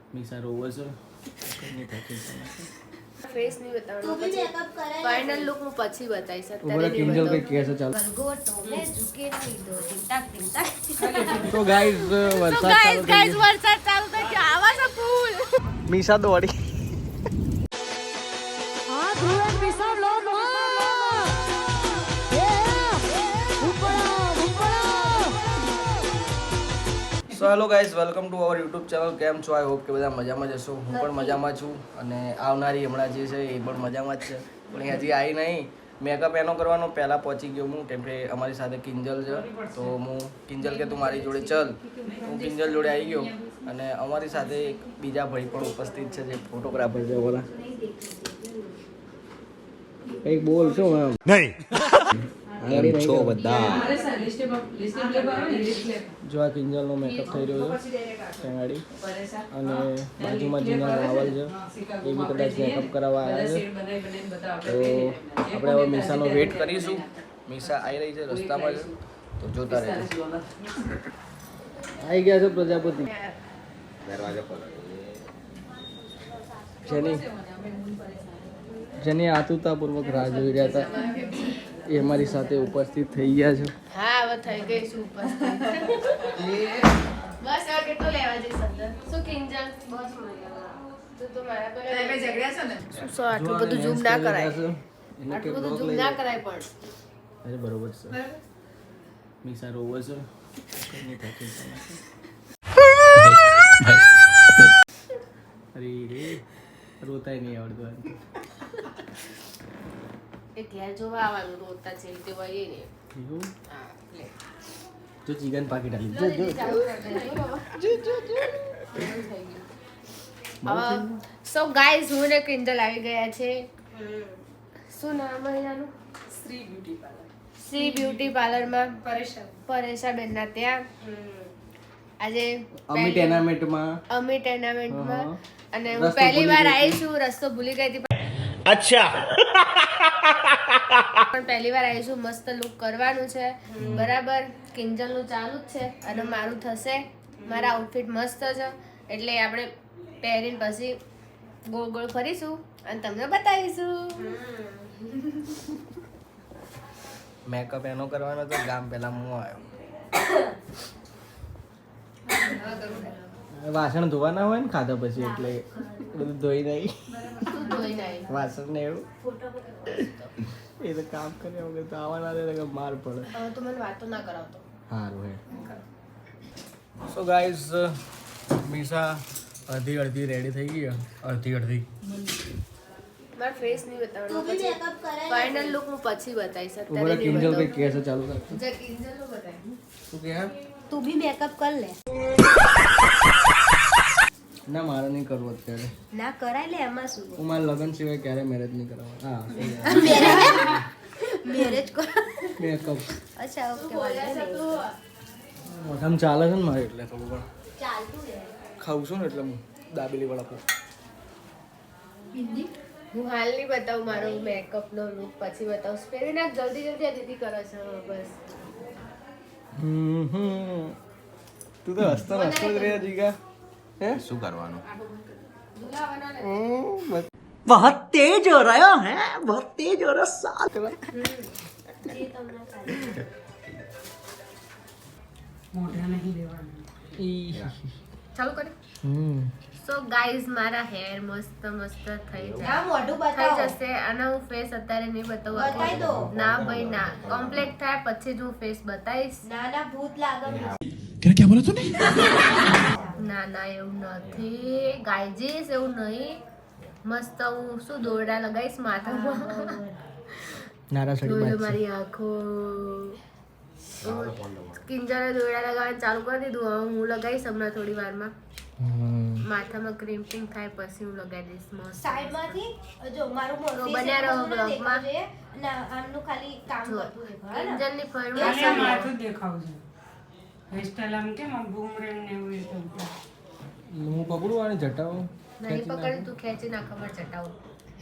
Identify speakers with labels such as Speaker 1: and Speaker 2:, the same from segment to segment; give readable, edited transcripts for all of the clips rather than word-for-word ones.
Speaker 1: મીસા રોવે છે
Speaker 2: ફેસ નહીં બતાવવાનો પછી ફાઇનલ લુક હું પછી બતાવીશ
Speaker 1: ઉભરા
Speaker 2: અત્યારે
Speaker 1: કિંજલ કઈ કહે છે ચાલ
Speaker 2: ગલગોટો મે ઝુકે નહીં દો ટિંટાક ટિંટાક
Speaker 1: તો ગાઈસ વરસાદ ચાલુ થઈ ગયો
Speaker 2: વરસાદ ચાલુ થઈ ગયો આવા છે ફૂલ
Speaker 1: મીસા દોડી
Speaker 2: હા ધ્રુવે પીસા લો નો
Speaker 1: સો hello guys welcome to our YouTube channel. કેમ છો? આઈ હોપ કે બધા મજામાં જ હશો. હું પણ મજામાં છું અને આવનારી હમણાં જે છે એ પણ મજામાં જ છે, પણ એ હજી આવી નહીં. મેકઅપ એનો કરવાનો પહેલાં પહોંચી ગયો હું, કેમ કે અમારી સાથે કિંજલ છે. તો હું કિંજલ કે તું મારી જોડે ચલ, હું કિંજલ જોડે આવી ગયો અને અમારી સાથે એક બીજા ભાઈ પણ ઉપસ્થિત છે જે ફોટોગ્રાફર છે. બોલા કંઈક બોલ શું એમ નહીં છો બધા. જો આ કિંજલનો મેકઅપ થઈ રહ્યો છે ટેંગાડી, અને બાજુમાં જીના રાવલ છે એ બી કદાચ મેકઅપ કરાવવા આવ્યા છે. તો આપણે હવે મીસાનો વેટ કરીશું. મીસા આવી રહી છે, રસ્તામાં છે, તો જોતા રહેજો. આવી ગયા છે પ્રજાપતિ. જેની આતુરતાપૂર્વક રાહ જોઈ રહ્યા હતા એ અમારી સાથે ઉપસ્થિત થઈ ગયા છે.
Speaker 2: હા હવે થઈ ગઈ છું ઉપસ્થિત. બસ હવે કેટલો લેવા જઈશ અંદર શું કિંજલ બસ તું તો મારા પર તમે ઝઘડ્યા છો ને શું આટલું બધું ઝૂમ ના કરાય, આટલું બધું ઝૂમ ના કરાય પણ
Speaker 1: અરે બરોબર છે. મીસા રોવે છે અરે રે રોતાય નહીં આવડતું.
Speaker 2: એ ઘેર જોવા આવવાનું રોતા છે તે હોય ને. હા લે
Speaker 1: જો ચિકન પાકી ડાલી
Speaker 2: સો ગાઈઝ હું ને કિંજલ આવી ગયા છે. શું નામ અહીંયાનું? શ્રી બ્યુટી પાર્લરમાં પરેશા બેનના ત્યાં આજે
Speaker 1: અમી ટેનામેન્ટમાં
Speaker 2: અને હું પહેલી વાર આવી છું. રસ્તો ભૂલી ગઈ હતી
Speaker 1: અચ્છા
Speaker 2: પણ પહેલી વાર આવી છું. મસ્ત લુક કરવાનું છે બરાબર. કિંજલ નું ચાલુ જ છે અને મારું થશે. મારા આઉટફિટ મસ્ત છે એટલે આપણે પહેરીને પછી ગોળ ગોળ ફરીશું અને તમને બતાવીશું.
Speaker 1: મેકઅપ એનો કરવાનો તો ગામ પહેલા હું આવ્યો. વાસણ ધોવાના હોય ને ખાધા પછી, એટલે બધું ધોઈ નહીં વાસણ ને એવું એ તો કામ કર્યા વગર તો આવવાના રહે માર પડે.
Speaker 2: હવે તો મને વાતો ના કરાવતો.
Speaker 1: સારું હે. સો ગાઈઝ મીસા અડધી રેડી થઈ ગઈ. અડધી
Speaker 2: મારો ફેસ નહીં બતાવવાનો પછી ફાઇનલ લુક હું પછી બતાવીશ
Speaker 1: ઉભરા
Speaker 2: અત્યારે નહીં
Speaker 1: કિંજલ કઈ
Speaker 2: બતાવું.
Speaker 1: કહે છે ચાલુ કર.
Speaker 2: જે કિંજલ નું બતાય
Speaker 1: શું કહે?
Speaker 3: તું બી મેકઅપ કર લે.
Speaker 1: ના મારે નહીં કરવું અત્યારે.
Speaker 3: ના કરાય લે, એમાં શું?
Speaker 1: હું મારા લગ્ન સિવાય ક્યારે મેરેજ નહીં કરાવવા. હા
Speaker 3: મેરેજ કર.
Speaker 1: મેકઅપ
Speaker 3: અચ્છા ઓકે વાંધો નહીં.
Speaker 1: મોઢામાં ચાલે છે ને મારે, એટલે થોડું પણ
Speaker 3: ચાલતું રહે.
Speaker 1: ખાઉં છું ને એટલે હું દાબેલી વડાપાવ.
Speaker 2: હું હાલ નહીં બતાવું મારો મેકઅપ નો લુક પછી બતાવું. પહેરી નાખ જલ્દી જલ્દી. આ દીદી કરે છે બસ.
Speaker 1: તું તો હસતો જ રહે જીગા. હે
Speaker 4: શું કરવાનું?
Speaker 1: बहुत तेज हो रहा है, बहुत तेज हो रहा साथ में.
Speaker 2: ચાલુ કરી. સો ગાઈઝ મારા હેર મસ્ત મસ્ત થઈ
Speaker 3: ના મોઢું
Speaker 2: થઈ
Speaker 3: બતાવો.
Speaker 2: જશે અને હું ફેસ અત્યારે નહીં
Speaker 3: બતાવી
Speaker 2: બતાવું.
Speaker 3: દો.
Speaker 2: ના ભાઈ ના, કમ્પ્લીટ થાય પછી જ હું ફેસ બતાવીશ.
Speaker 3: ના ના ભૂત લાગે.
Speaker 2: ના ના એવું નથી ગાઈજીસ, એવું નહીં. મસ્ત હું શું દોરડા લગાવીશ માથામાં.
Speaker 1: નારા સડી
Speaker 2: જોઈ લો
Speaker 1: બાત
Speaker 2: મારી આંખો. કિંજલે દોરડા લગાવવાનું ચાલુ કરી દીધું. હવે હું લગાવીશ હમણાં થોડી વારમાં. માથામાં ક્રિમ્પિંગ થાય પછી હું લગાવી દઈશ મસ્ત.
Speaker 3: સાઈડ માંથી જો મારું
Speaker 2: તો
Speaker 3: મોઢું
Speaker 2: બન્યા રહો બ્લોગમાં.
Speaker 3: ના આમનું ખાલી કામ કરતું દેખાય ને.
Speaker 2: કિંજલની
Speaker 5: ખાલી
Speaker 2: ફરમાઈશ
Speaker 5: માથું દેખાવું છે. હેરસ્ટાઈલ આમ કેમ આમ બૂમરેંગ ને એવું એ તો.
Speaker 1: હું પકડું અને જટાવું.
Speaker 2: નહીં પકડી તું ખેંચી નાખ ખબર ચટાવું.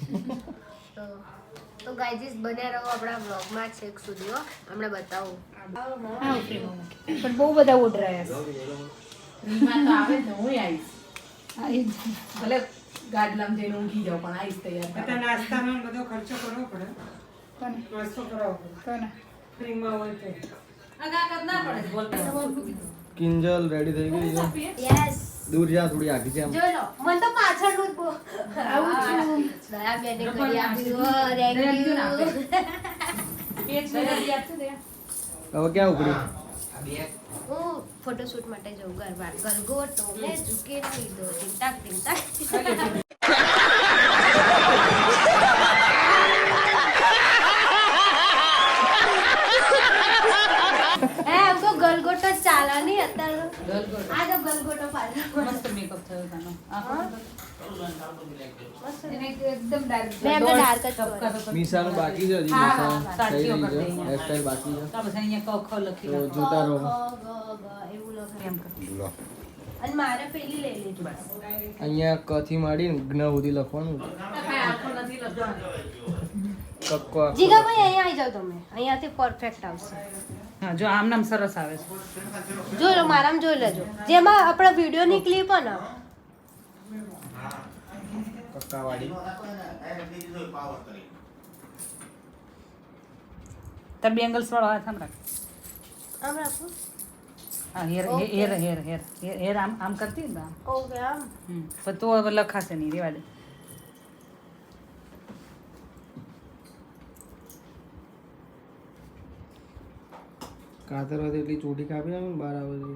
Speaker 2: તો ગાઈજીસ બન્યા રહો આપણા બ્લોગમાં છેક સુધી હો. હમણાં બતાવું.
Speaker 3: પણ બહુ બધા ઓર્ડર આવ્યા
Speaker 5: રીમાં તો આવે ને હું આવીશ.
Speaker 4: ભલે ગાડલામાં જઈને ઊંઘી જાવ પણ આવીશ તૈયાર
Speaker 5: બધા નાસ્તાનો ને બધો ખર્ચો કરવો પડે નાસ્તો કરાવવો પડે ફ્રીમાં હોય તો
Speaker 4: ના પડે બોલતા
Speaker 1: કિંજલ રેડી થઈ ગઈ છે
Speaker 3: યસ
Speaker 1: દૂર જા થોડી આગી છે આમ
Speaker 3: જોઈ લો મને તો પાછળનું જ
Speaker 2: આવું છું દયા બેને કરી આપ્યું થેન્ક યુ
Speaker 1: હવે ક્યાં ઉપડી
Speaker 2: હું ફોટોશૂટ માટે જઉં ગરબા ગલગોટો મે ઝુકે નહીં દો ટિંટાક ટિંટાક हमको गलगोटो चाला नहीं અત્યારે આ જો ગલગોટો પાડો
Speaker 4: મસ્ત મેકઅપ થયો તાનો એકદમ ડાર્ક
Speaker 2: મેં એમને ડાર્ક જ કર્યો.
Speaker 1: મીસાનું બાકી છે હજી
Speaker 4: હા,
Speaker 1: મીસા થઈ
Speaker 4: સાચીઓ
Speaker 1: રહી
Speaker 4: કરી
Speaker 1: છે
Speaker 4: દઈએ.
Speaker 1: હેરસ્ટાઈલ બાકી છે
Speaker 4: તો પછી અહીંયા ક ખ લખી
Speaker 1: તો
Speaker 4: નાખો.
Speaker 1: જોતા રહો
Speaker 2: એવું લખાય.
Speaker 4: એમ કર.
Speaker 2: અને મારે પેલી લઈ લીધી
Speaker 4: બસ
Speaker 1: અહીંયા ક થી માંડીને જ્ઞ સુધી લખવાનું
Speaker 4: કાંઈ આખો નથી લખવાનો.
Speaker 1: કક્કો આખો.
Speaker 2: જીગાભાઈ અહીંયા આવી જાવ તમે અહીંયાથી પરફેક્ટ આવશે
Speaker 4: હા જો આમ નામ સરસ આવે છે
Speaker 2: જોઈ લો મારામાં જોઈ લેજો જેમાં આપણા વિડીયોની ક્લિપ હોય ને
Speaker 1: કક્કાવાળી
Speaker 4: તાર બેંગલ્સ વાળો હાથ આમ રાખ
Speaker 2: આમ રાખો
Speaker 4: હા hair
Speaker 2: Okay.
Speaker 4: Hair hair hair hair hair આમ આમ કરતી ને આમ
Speaker 2: ઓકે આમ
Speaker 4: પણ તો હવે લખાશે નહીં રેવા દે
Speaker 1: કાતર હતી એટલી ચોટી કાપી આવે ને બહાર આવે છે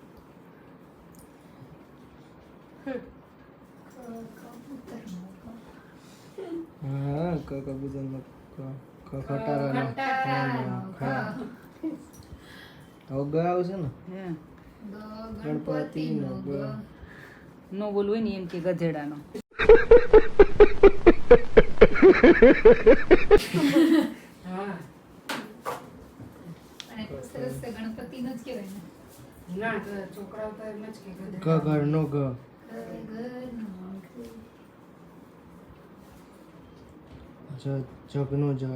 Speaker 1: હા ક કબૂતર નો ક ખટારાનો હા હવે ગ આવશે ને
Speaker 4: હે
Speaker 1: ગણપતિ નો ગ
Speaker 4: નો બોલવું હોય ને એમ કે ગધેડાનો
Speaker 5: હા
Speaker 4: ગણપતિનો જ કહેવાય
Speaker 5: ના તો છોકરાઓ તો એમ જ કે
Speaker 1: ગ ઘરનો ગ જગનો જ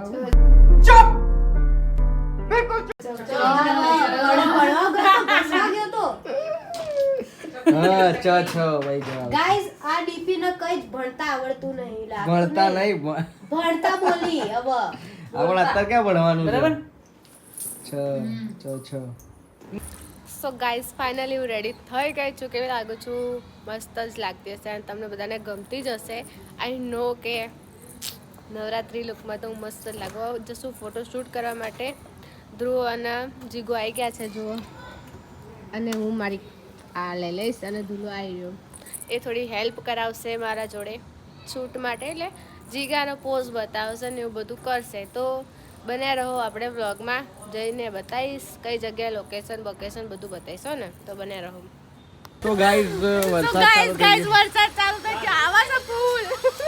Speaker 1: હા ચ છ ભાઈ જવાબ
Speaker 2: ગાઈઝ આ ડીપી ને કઈ જ ભણતા આવડતું નહીં લાગતું
Speaker 1: ભણતા
Speaker 2: નહીં.
Speaker 1: નહીં
Speaker 2: ભણતા બોલી હવે
Speaker 1: આપણે અત્યારે ક્યાં ભણવાનું છે
Speaker 4: બરાબર
Speaker 1: છ છ
Speaker 2: સો ગાઈઝ ફાઇનલી હું રેડી થઈ ગઈ છું કેવી લાગુ છું મસ્ત જ લાગતી હશે અને તમને બધાને ગમતી જ હશે આઈ નો કે નવરાત્રિ લુકમાં તો હું મસ્ત જ લાગુ જશું ફોટોશૂટ કરવા માટે ધ્રુવ અને જીગો આવી ગયા છે જુઓ અને હું મારી આ લઈ લઈશ અને ધૂલો આવી રહ્યો એ થોડી હેલ્પ કરાવશે મારા જોડે શૂટ માટે એટલે જીગાનો પોઝ બતાવશે ને એવું બધું કરશે તો બન્યા રહો આપણે વ્લોગમાં જઈને બતાવીશ કઈ જગ્યાએ લોકેશન બોકેશન બધું બતાવીશો ને તો બન્યા રહો
Speaker 1: તો ગાઈઝ વરસાદ ચાલુ થઈ ગયો
Speaker 2: વરસાદ ચાલુ થઈ ગયો આવા છે ફૂલ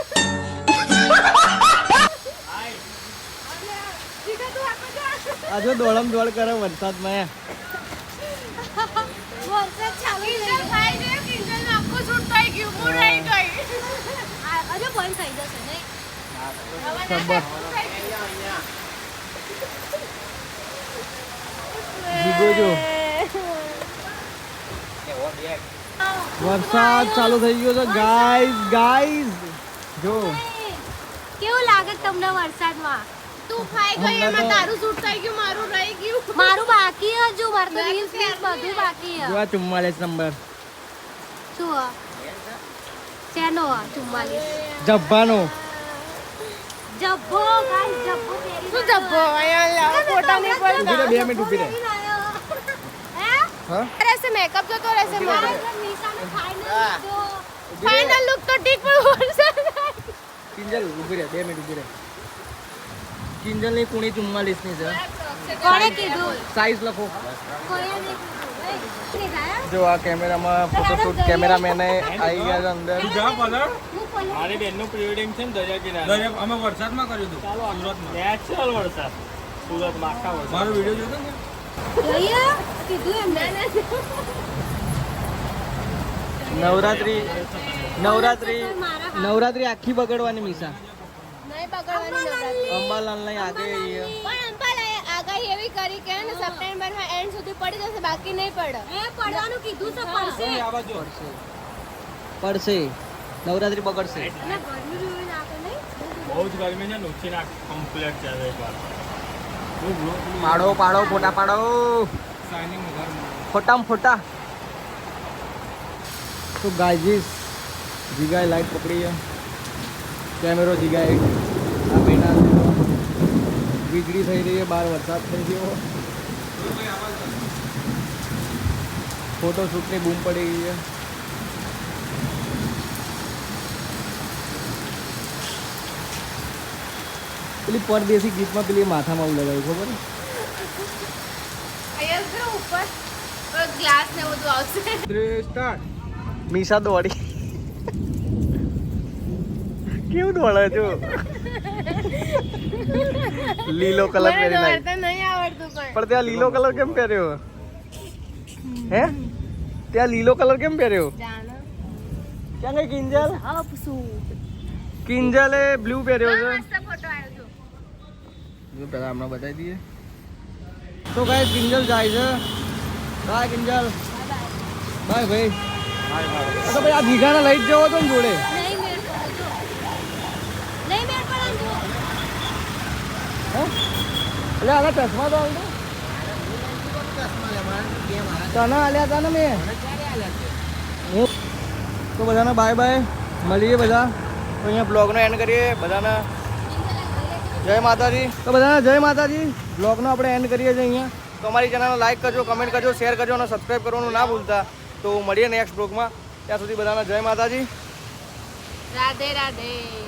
Speaker 1: આજે દોડમ દોડ કરે વરસાદમાં
Speaker 2: વરસાદ ચાલુ થઈ ગયો ભાઈ જે કિંજલ આખું શૂટ થઈ ગયું હું રહી ગઈ અરે બંધ થઈ જશે નહીં
Speaker 1: જીગો જો વરસાદ ચાલુ થઈ ગયો છે ગાઈઝ જો
Speaker 2: કેવું લાગે તમને વરસાદમાં તું ખાઈ ગઈ એમાં તારું શૂટ થઈ ગયું મારું રહી ગયું મારું બાકી હજુ મારું તો રીલ્સ બધું બાકી
Speaker 1: જો આ 44 નંબર
Speaker 2: શું ચેનો 44
Speaker 1: જબ્બાનો
Speaker 2: જબ્બો ગાઈસ જબ્બો પહેરી શું જબ્બો અહીંયા ફોટો નહીં
Speaker 1: ઊભી રહે 2 મિનિટ ઊભી રહે હા
Speaker 2: રહેશે મેકઅપ જતો રહેશે મારા ફાઇનલ લુક તો ઠીક પણ વરસાદ
Speaker 1: કિંજલ ઊભી રહે 2 મિનિટ ઊભી રહે કિંજલ ની કુણી 44 ની છે
Speaker 2: કોણે કીધું
Speaker 1: સાઈઝ લખો
Speaker 2: કોણે નહીં
Speaker 1: જો આ કેમેરામાં ફોટોશૂટ કેમેરામેને આવી ગયા છે અંદર
Speaker 6: મારી બેનનું પ્રી વેડિંગ છે ને દરિયા કિનારે અમે વરસાદમાં કર્યું હતું સુરતમાં નેચરલ વરસાદ સુરતમાં આખા વરસાદ મારો વિડિયો જોયો ને
Speaker 2: જોઈએ કીધું એમને
Speaker 1: નવરાત્રી આખી બગડવાની મીસા
Speaker 2: નહીં બગડવાની નવરાત્રી
Speaker 1: અંબાલાલ ની આગે
Speaker 2: પણ અંબાલાએ આગાહી એવી કરી કે ને સપ્ટેમ્બરમાં એન્ડ સુધી પડી જશે બાકી નહીં પડે એ પડવાનું કીધું છે પડશે
Speaker 1: પડશે નવરાત્રી બગડશે
Speaker 2: અને ગરમી જોઈ નાખે નહીં
Speaker 6: બહુ જ ગરમી છે નુકસી નાખ કમ્પ્લેટ છે હવે એકવાર
Speaker 1: પાડો પાડો ફોટા પાડો ફોટામાં ફોટા તો ગાઈઝ જીગાએ લાઈટ પકડી છે કેમેરો જીગાએ આ બેના વીજળી થઈ રહી છે બહાર વરસાદ થઈ ગયો ફોટોશૂટની બૂમ પડી ગઈ છે પેલી પરદેશી ગીતમાં પેલી માથામાં આવું લગાવ્યું ખબર
Speaker 2: અહીંયા જો ઉપર ગ્લાસ ને બધું આવશે
Speaker 1: સ્ટાર્ટ મીસા દોડી કેવું દોડે છો લીલો કલર
Speaker 2: મને
Speaker 1: પહેરી નાખ
Speaker 2: દોડતા નહીં આવડતું
Speaker 1: પણ ત્યાં લીલો કલર કેમ પહેર્યો હે ત્યાં લીલો કલર કેમ પહેર્યો
Speaker 2: જાનો
Speaker 1: ક્યાં ગઈ કિંજલ
Speaker 2: આપસુ
Speaker 1: કિંજલે બ્લુ પહેર્યો છે
Speaker 2: મસ્ત ફોટો આવ્યો
Speaker 1: જો પહેલા હમણાં બતાવી દઈએ તો ગાઈસ કિંજલ જાય છે બાય કિંજલ બાય ભાઈ તો ભાઈ આ દીઘાને લઈ જ જવો તો ને જોડે
Speaker 2: નહીં મેળ પડે નહીં મેળ પડે જો
Speaker 1: હે એટલે આના ચશ્મા તો આવડે તને આલ્યા હતા ને મેં હું તો બધાને બાય બાય મળીએ બધા તો અહીંયા બ્લોગનો એન્ડ કરીએ બધાને જય માતાજી તો બધાને જય માતાજી બ્લોગનો આપણે એન્ડ કરીએ છીએ અહીંયા તો અમારી ચેનલને લાઈક કરજો કમેન્ટ કરજો શેર કરજો અને સબસ્ક્રાઈબ કરવાનું ના ભૂલતા તો મળીએ નેક્સ્ટ બ્લોગમાં ત્યાં સુધી બધાને જય માતાજી
Speaker 2: રાધે રાધે